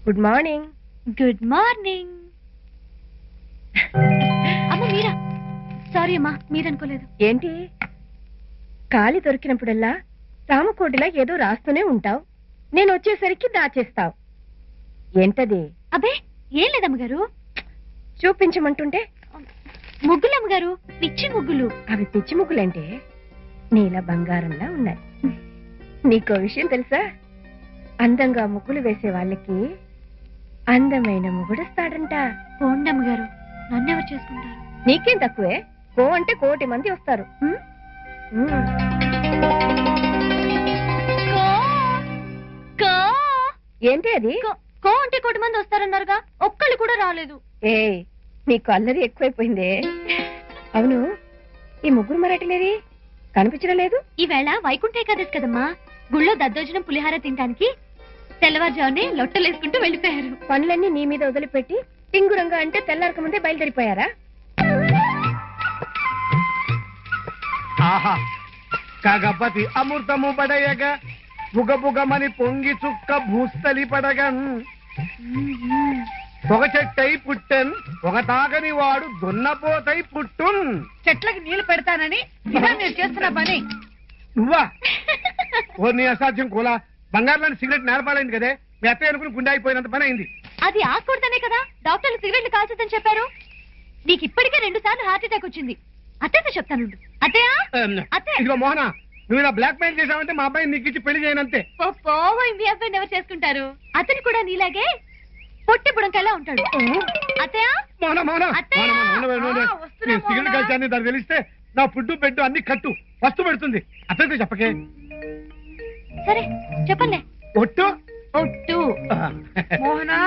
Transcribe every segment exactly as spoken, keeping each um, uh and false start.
Good morning. Good morning. అమ్మ మీరా? Sorry అమ్మా, మీరనుకోలేదు. ఏంటి ఖాళీ దొరికినప్పుడల్లా రామకోటిలా ఏదో రాస్తూనే ఉంటావు, నేను వచ్చేసరికి దాచేస్తావు. ఏంటది? అబ్బే ఏం లేదమ్మగారు. చూపించమంటుంటే ముగ్గులు అమ్మగారు, పిచ్చి ముగ్గులు. అవి పిచ్చి ముగ్గులంటే నీల బంగారంలా ఉన్నాయి. నీకో విషయం తెలుసా? అందంగా ముగ్గులు వేసే వాళ్ళకి అందమైన ముగుడొస్తాడంట. పోండి అమ్మగారు, నన్నెవరు చేసుకుంటారు? నీకేం తక్కువే, కో అంటే కోటి మంది వస్తారు. ఏంటి అది? కో అంటే కోటి మంది వస్తారన్నారుగా, ఒక్కళ్ళు కూడా రాలేదు. ఏ నీకు అల్లరి ఎక్కువైపోయిందే. అవును, ఈ ముగ్గురు మరాఠీలేరి కనిపించడం లేదు. ఈవేళ వైకుంఠ ఏకాదశి కదమ్మా, గుళ్ళో దద్దోజనం పులిహార తినడానికి తెల్లవారుజామునే లొట్టలేసుకుంటూ వెళ్ళిపోయారు. పనులన్నీ నీ మీద వదిలిపెట్టి టింగురంగా అంటే తెల్లారక ముందే బయలుదేరిపోయారా? ఆహా, కాగపతి అమృతము పడయగా బుగ బుగమని పొంగి చుక్క భూస్థలి పడగన్. ఒక చెట్టై పుట్టెన్, ఒక తాగని వాడు దున్నపోతై పుట్టున్. చెట్లకి నీళ్లు పెడతానని ఇదా మీరు చేస్తున్న పని? నువ్వా? ఓ నీ అసాధ్యం కూలా, బంగారులోని సిగరెట్ నేలపాలైంది కదే, మీ అత్తయ్య అనుకుని గుండె అయిపోయినంత పని అయింది. అది ఆకూడదనే కదా డాక్టర్లు సిగరెట్లు కాల్చొద్దని చెప్పారు. నీకు ఇప్పటికే రెండు సార్లు హార్ట్ అటాక్ వచ్చింది. అత్తయ్యతో చెప్తాను. అత్తయ్య అత్తయ్య ఇదిగో మోహన, నువ్వు ఇలా బ్లాక్ మెయిల్ చేసావంటే మా అబ్బాయిని నీకు ఇచ్చి పెళ్లి చేయనంతే. పోయి మీ అబ్బాయిని ఎవరు చేసుకుంటారు? అతను కూడా నీలాగే పొట్టి బుడంకల్లా ఉంటాడు. అత్తయ్య మోహన మోహన అత్తయ్య! నేను సిగరెట్ కలిసాన్ని దాన్ని తెలిస్తే నా ఫుడ్ బెడ్ అన్ని కట్టు వస్తు పెడుతుంది. అతనితో చెప్పకే. సరే చెప్పలే. ఒట్టు ఒట్టు. మోహనా,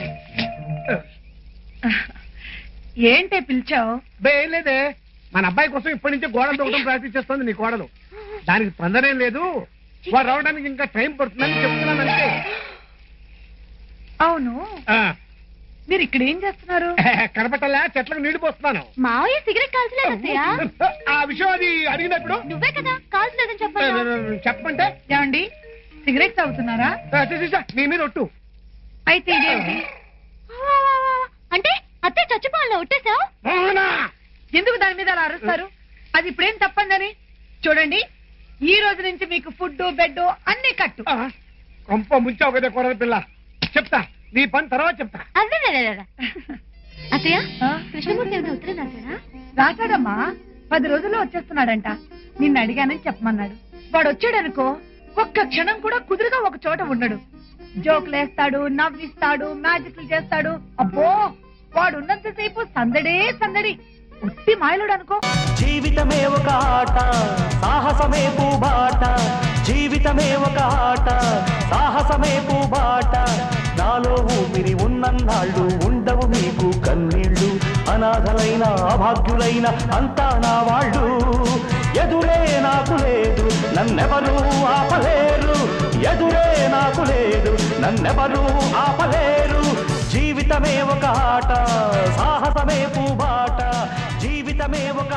ఏంటే పిలిచావు? ఏం లేదే, మన అబ్బాయి కోసం ఇప్పటి నుంచే గోడలు తొక్కడం ప్రాక్టీస్ చేస్తుంది నీ కోడలు. దానికి తొందరేం లేదు, వాడు రావడానికి ఇంకా టైం పడుతుందని చెప్తున్నానంటే. అవును, మీరు ఇక్కడ ఏం చేస్తున్నారు? కనపట్టలే, చెట్లకు నీళ్లు పోస్తున్నాను. మావయ్య సిగరెట్ కాల్చలేదు అత్తయ్య. ఆ విషయం అది అడిగినప్పుడు నువ్వే కదా కాల్చలేదని చెప్పాను. చెప్పమంటే ఏమండి, సిగరెట్ తాగుతున్నారా? నీ మీద ఒట్టు. అయితే ఇదేంటి? అంటే అత్తయ్య చచ్చిపోవాలని ఒట్టేశావు? ఎందుకు దాని మీద అలా అరుస్తారు? అది ఇప్పుడేం తప్పందని. చూడండి, ఈ రోజు నుంచి మీకు ఫుడ్ బెడ్ అన్ని కట్టు. కొంప ముంచావు కదా కూర పిల్ల. చెప్తా, నీ పని తర్వాత చెప్తా. అదే అత్తయ్య, కృష్ణమూర్తి ఏమైనా ఉత్తరం రాశాడా? రాశాడమ్మా, పది రోజుల్లో వచ్చేస్తున్నాడంట. నిన్ను అడిగానని చెప్పమన్నాడు. వాడు వచ్చాడనుకో, ఒక్క క్షణం కూడా కుదురుగా ఒక చోట ఉండడు. జోకులేస్తాడు, నవ్విస్తాడు, మ్యాజిక్లు చేస్తాడు. అబ్బో, వాడు ఉన్నంతసేపు సందడే సందడి. ఉట్టి మాయలుడు అనుకో. జీవితమే ఒక ఆట, సాహసమే పూబాట. జీవితమే ఒక ఆట, సాహసమే పూబాట. నాలో ఊపిరి ఉన్నన్నాళ్ళు ఉండవు మీకు కన్నీళ్ళు. అనాథలైన అభాగ్యులైన అంతా నా వాళ్ళు. ఎదురే నాకు లేదు, నన్నెవరూ ఆపలేరు. ఎదురే నాకు లేదు, నన్నెవరూ ఆపలేరు. జీవితమే ఒక ఆట, సాహసమే పూబాట. జీవితమే ఒక